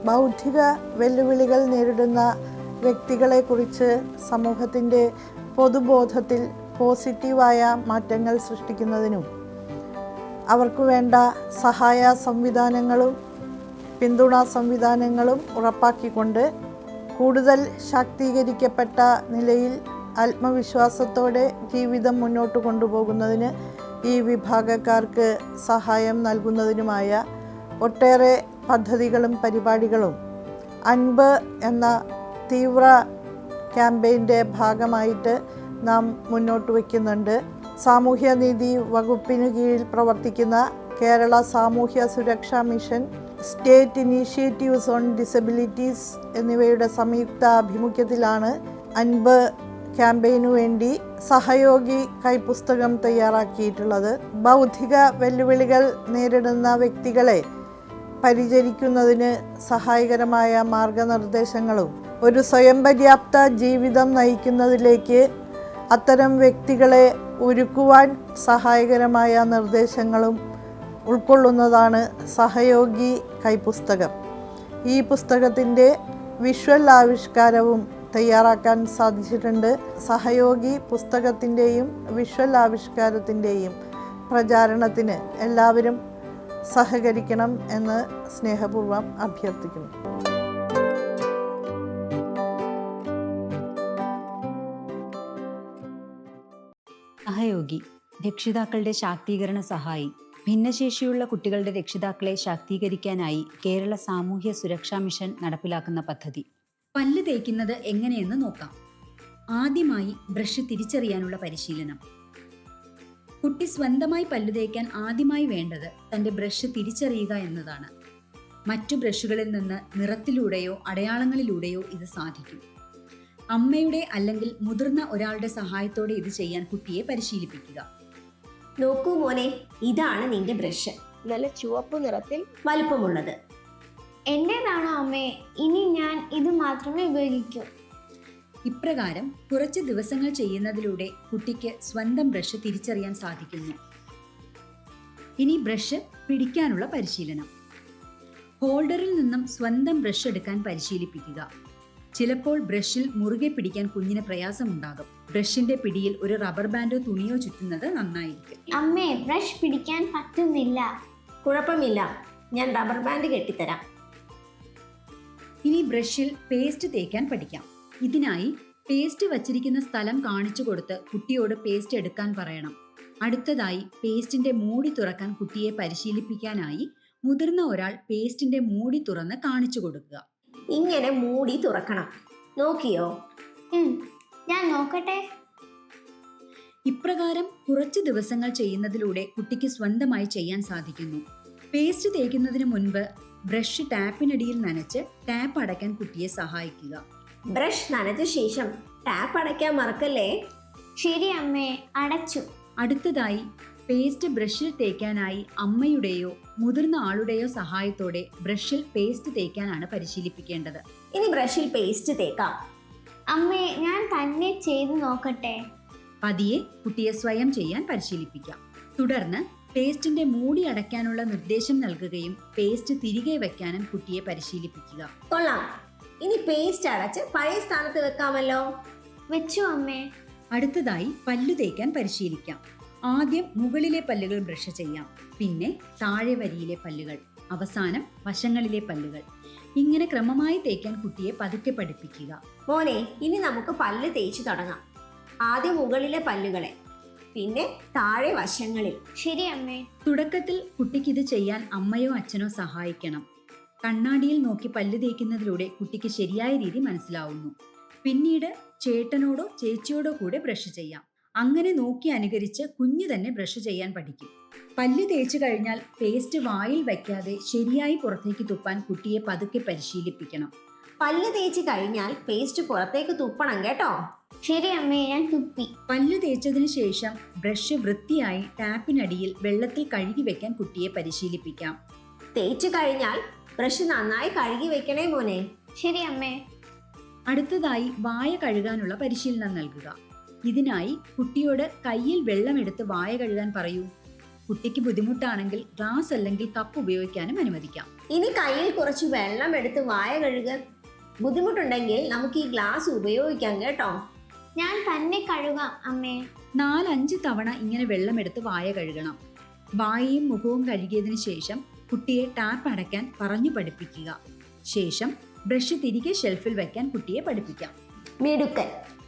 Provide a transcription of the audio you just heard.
ബൗദ്ധിക വെല്ലുവിളികൾ നേരിടുന്ന വ്യക്തികളെക്കുറിച്ച് സമൂഹത്തിൻ്റെ പൊതുബോധത്തിൽ പോസിറ്റീവായ മാറ്റങ്ങൾ സൃഷ്ടിക്കുന്നതിനും അവർക്ക് വേണ്ട സഹായ സംവിധാനങ്ങളും പിന്തുണാ സംവിധാനങ്ങളും ഉറപ്പാക്കിക്കൊണ്ട് കൂടുതൽ ശാക്തീകരിക്കപ്പെട്ട നിലയിൽ ആത്മവിശ്വാസത്തോടെ ജീവിതം മുന്നോട്ട് കൊണ്ടുപോകുന്നതിന് ഈ വിഭാഗക്കാർക്ക് സഹായം നൽകുന്നതിനുമായ ഒട്ടേറെ പദ്ധതികളും പരിപാടികളും അൻപ് എന്ന തീവ്ര ക്യാമ്പയിൻ്റെ ഭാഗമായിട്ട് നാം മുന്നോട്ട് വയ്ക്കുന്നുണ്ട്. സാമൂഹ്യനീതി വകുപ്പിന് കീഴിൽ പ്രവർത്തിക്കുന്ന കേരള സാമൂഹ്യ സുരക്ഷാ mission, state initiatives on disabilities എന്നിവയുടെ സംയുക്ത ആഭിമുഖ്യത്തിലാണ് അൻപ് ക്യാമ്പയിനു വേണ്ടി സഹയോഗി കൈപ്പുസ്തകം തയ്യാറാക്കിയിട്ടുള്ളത്. ബൗദ്ധിക വെല്ലുവിളികൾ നേരിടുന്ന വ്യക്തികളെ പരിചരിക്കുന്നതിന് സഹായകരമായ മാർഗനിർദ്ദേശങ്ങളും ഒരു സ്വയം പര്യാപ്ത ജീവിതം നയിക്കുന്നതിലേക്ക് അത്തരം വ്യക്തികളെ ഒരുക്കുവാൻ സഹായകരമായ നിർദ്ദേശങ്ങളും ഉൾക്കൊള്ളുന്നതാണ് സഹയോഗി കൈപ്പുസ്തകം. ഈ പുസ്തകത്തിൻ്റെ വിഷ്വൽ ആവിഷ്കാരവും തയ്യാറാക്കാൻ സാധിച്ചിട്ടുണ്ട്. സഹയോഗി പുസ്തകത്തിൻ്റെയും വിഷ്വൽ ആവിഷ്കാരത്തിൻ്റെയും പ്രചാരണത്തിന് എല്ലാവരും സഹകരിക്കണം എന്ന് സ്നേഹപൂർവ്വം അഭ്യർത്ഥിക്കുന്നു. സഹയോഗി രക്ഷിതാക്കളുടെ ശാക്തീകരണ സഹായി. ഭിന്നശേഷിയുള്ള കുട്ടികളുടെ രക്ഷിതാക്കളെ ശാക്തീകരിക്കാനായി കേരള സാമൂഹ്യ സുരക്ഷാ മിഷൻ നടപ്പിലാക്കുന്ന പദ്ധതി. പല്ല് തേക്കുന്നത് എങ്ങനെയെന്ന് നോക്കാം. ആദ്യമായി ബ്രഷ് തിരിച്ചറിയാനുള്ള പരിശീലനം. കുട്ടി സ്വന്തമായി പല്ല് തേക്കാൻ ആദ്യമായി വേണ്ടത് തൻ്റെ ബ്രഷ് തിരിച്ചറിയുക എന്നതാണ്. മറ്റു ബ്രഷുകളിൽ നിന്ന് നിറത്തിലൂടെയോ അടയാളങ്ങളിലൂടെയോ ഇത് സാധിക്കും. അമ്മയുടെ അല്ലെങ്കിൽ മുതിർന്ന ഒരാളുടെ സഹായത്തോടെ ഇത് ചെയ്യാൻ കുട്ടിയെ പരിശീലിപ്പിക്കുക. നോക്കൂ മോനെ, ഇതാണ് നിന്റെ ബ്രഷ്. നല്ല ചുവപ്പ് നിറത്തിൽ വലുപ്പമുള്ളത്. എന്റേതാണോ അമ്മേ? ഇനി ഞാൻ ഇത് മാത്രമേ ഉപയോഗിക്കൂ. ഇപ്രകാരം കുറച്ച് ദിവസങ്ങൾ ചെയ്യുന്നതിലൂടെ കുട്ടിക്ക് സ്വന്തം ബ്രഷ് തിരിച്ചറിയാൻ സാധിക്കുന്നു. ഇനി ബ്രഷ് പിടിക്കാനുള്ള പരിശീലനം. ഹോൾഡറിൽ നിന്നും സ്വന്തം ബ്രഷ് എടുക്കാൻ പരിശീലിപ്പിക്കുക. ചിലപ്പോൾ ബ്രഷിൽ മുറുകെ പിടിക്കാൻ കുഞ്ഞിന് പ്രയാസമുണ്ടാകും. ബ്രഷിന്റെ പിടിയിൽ ഒരു റബ്ബർ ബാൻഡോ തുണിയോ ചുറ്റുന്നത് നന്നായിരിക്കും. അമ്മേ, ബ്രഷ് പിടിക്കാൻ പറ്റുന്നില്ല. കുഴപ്പമില്ല, ഞാൻ റബ്ബർ ബാൻഡ് കെട്ടിത്തരാം. ഇനി ബ്രഷിൽ പേസ്റ്റ് തേക്കാൻ പഠിക്കാം. ഇതിനായി പേസ്റ്റ് വച്ചിരിക്കുന്ന സ്ഥലം കാണിച്ചു കൊടുത്ത് കുട്ടിയോട് പേസ്റ്റ് എടുക്കാൻ പറയണം. അടുത്തതായി പേസ്റ്റിന്റെ മൂടി തുറക്കാൻ കുട്ടിയെ പരിശീലിപ്പിക്കാനായി മുതിർന്ന ഒരാൾ പേസ്റ്റിന്റെ മൂടി തുറന്ന് കാണിച്ചു കൊടുക്കുക. ഇങ്ങനെ മൂടി തുറക്കണം. നോക്കിയോ? ഞാൻ നോക്കട്ടെ. ഇപ്രകാരം കുറച്ച് ദിവസങ്ങൾ ചെയ്യുന്നതിലൂടെ കുട്ടിക്ക് സ്വന്തമായി ചെയ്യാൻ സാധിക്കുന്നു. പേസ്റ്റ് തേക്കുന്നതിന് മുൻപ് ബ്രഷ് ടാപ്പിനടിയിൽ നനച്ച് ടാപ്പ് അടയ്ക്കാൻ കുട്ടിയെ സഹായിക്കുക. ബ്രഷ് നനച്ച ശേഷം ടാപ്പ് അടയ്ക്കാൻ മറക്കല്ലേ. ശരി അമ്മേ, അടച്ചു. അടുത്തതായി പേസ്റ്റ് ബ്രഷിൽ തേക്കാനായി അമ്മയുടെയോ മുതിർന്ന ആളുടെയോ സഹായത്തോടെ ബ്രഷിൽ പേസ്റ്റ് തേക്കാനാണ് പരിശീലിപ്പിക്കേണ്ടത്. ഇനി ബ്രഷിൽ പേസ്റ്റ് തേക്കാം. അമ്മേ, ഞാൻ തന്നെ ചെയ്തു നോക്കട്ടെ. പതിയെ കുട്ടിയെ സ്വയം ചെയ്യാൻ പരിശീലിപ്പിക്കാം. തുടർന്ന് പേസ്റ്റിന്റെ മൂടി അടയ്ക്കാനുള്ള നിർദ്ദേശം നൽകുകയും പേസ്റ്റ് തിരികെ വെക്കാനും കുട്ടിയെ പരിശീലിപ്പിക്കുക. കൊള്ളാം. ഇനി പേസ്റ്റ് അടച്ച് പഴയ സ്ഥാനത്ത് വെക്കാമല്ലോ. വെച്ചു അമ്മേ. അടുത്തതായി പല്ലു തേക്കാൻ പരിശീലിക്കാം. ആദ്യം മുകളിലെ പല്ലുകൾ ബ്രഷ് ചെയ്യാം, പിന്നെ താഴെ വരിയിലെ പല്ലുകൾ, അവസാനം വശങ്ങളിലെ പല്ലുകൾ. ഇങ്ങനെ ക്രമമായി തേക്കാൻ കുട്ടിയെ പതുക്കെ പഠിപ്പിക്കുക. മോനെ, ഇനി നമുക്ക് പല്ല് തേച്ചു തുടങ്ങാം. ആദ്യം മുകളിലെ പല്ലുകളെ, പിന്നെ താഴെ വശങ്ങളിൽ. ശരി അമ്മേ. തുടക്കത്തിൽ കുട്ടിക്ക് ഇത് ചെയ്യാൻ അമ്മയോ അച്ഛനോ സഹായിക്കണം. കണ്ണാടിയിൽ നോക്കി പല്ല് തേക്കുന്നതിലൂടെ കുട്ടിക്ക് ശരിയായ രീതി മനസ്സിലാവുന്നു. പിന്നീട് ചേട്ടനോടോ ചേച്ചിയോടോ കൂടെ ബ്രഷ് ചെയ്യാം. അങ്ങനെ നോക്കി അനുകരിച്ച് കുഞ്ഞു തന്നെ ബ്രഷ് ചെയ്യാൻ പഠിക്കും. പല്ല് തേച്ചു കഴിഞ്ഞാൽ പേസ്റ്റ് വായിൽ വയ്ക്കാതെ ശരിയായി പുറത്തേക്ക് തുപ്പാൻ കുട്ടിയെ പതുക്കെ പരിശീലിപ്പിക്കണം. പല്ല് തേച്ച് കഴിഞ്ഞാൽ പേസ്റ്റ് പുറത്തേക്ക് തുപ്പണം കേട്ടോ. ശരി അമ്മേ, ഞാൻ തുപ്പി. പല്ല് തേച്ചതിന് ശേഷം ബ്രഷ് വൃത്തിയായി ടാപ്പിനടിയിൽ വെള്ളത്തിൽ കഴുകി വെക്കാൻ കുട്ടിയെ പരിശീലിപ്പിക്കാം. തേച്ചു കഴിഞ്ഞാൽ ബ്രഷ് നന്നായി കഴുകി വെക്കണേ മോനെ. ശരി അമ്മേ. അടുത്തതായി വായ കഴുകാനുള്ള പരിശീലനം നൽകുക. ഇതിനായി കുട്ടിയോട് കയ്യിൽ വെള്ളമെടുത്ത് വായ കഴുകാൻ പറയൂ. കുട്ടിക്ക് ബുദ്ധിമുട്ടാണെങ്കിൽ ഗ്ലാസ് അല്ലെങ്കിൽ കപ്പ് ഉപയോഗിക്കാനും അനുവദിക്കാം. ഇനി കയ്യിൽ കുറച്ച് വെള്ളം എടുത്ത് വായ കഴുകാൻ ബുദ്ധിമുട്ടുണ്ടെങ്കിൽ നമുക്ക് ഈ ഗ്ലാസ് ഉപയോഗിക്കാം കേട്ടോ. ഞാൻ തന്നെ കഴുകാം അമ്മേ. 4-5 തവണ ഇങ്ങനെ വെള്ളമെടുത്ത് വായ കഴുകണം. വായയും മുഖവും കഴുകിയതിനു ശേഷം കുട്ടിയെ ടാപ്പ് അടയ്ക്കാൻ പറഞ്ഞു പഠിപ്പിക്കുക. ശേഷം ബ്രഷ് തിരികെ ഷെൽഫിൽ വയ്ക്കാൻ കുട്ടിയെ പഠിപ്പിക്കാം. മിടുക്കൻ.